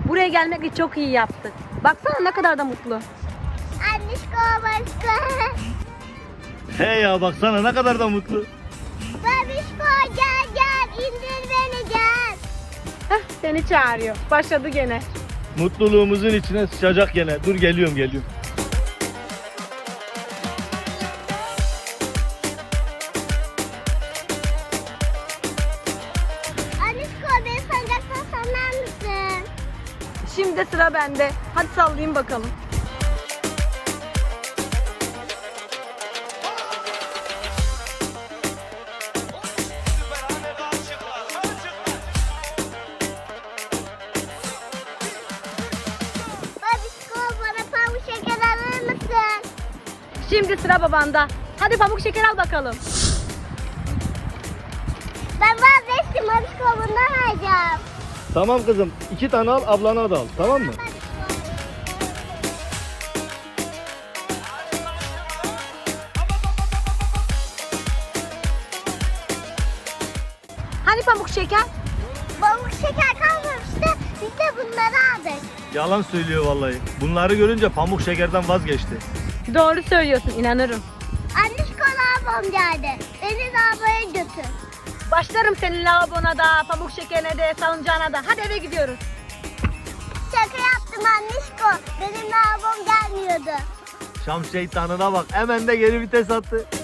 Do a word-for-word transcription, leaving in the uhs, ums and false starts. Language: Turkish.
Buraya gelmekle çok iyi yaptık. Baksana ne kadar da mutlu. Annişko babişko. He ya baksana ne kadar da mutlu. Babişko gel gel indir beni gel. Heh, seni çağırıyor. Başladı gene. Mutluluğumuzun içine sıçacak gene. Dur geliyorum geliyorum. Annişko beni sancaktan sallar mısın? Şimdi sıra bende. Hadi sallayayım bakalım. Babişko bana pamuk şeker alır mısın? Şimdi sıra babanda. Hadi pamuk şeker al bakalım. Ben vazgeçtim babişko bundan alacağım. Tamam kızım. iki tane al ablana da al. Tamam mı? Hani pamuk şeker? Pamuk şeker kalmamıştı. Biz de bunları aldık. Yalan söylüyor vallahi. Bunları görünce pamuk şekerden vazgeçti. Doğru söylüyorsun, inanırım. Annişko labom geldi. Beni lavaboya götür. Başlarım senin lavabona da, pamuk şekerine de, salıncağına da. Hadi eve gidiyoruz. Şaka yaptım annişko. Benim lavabom gelmiyordu. Şam şeytanına bak. Hemen de geri vites attı.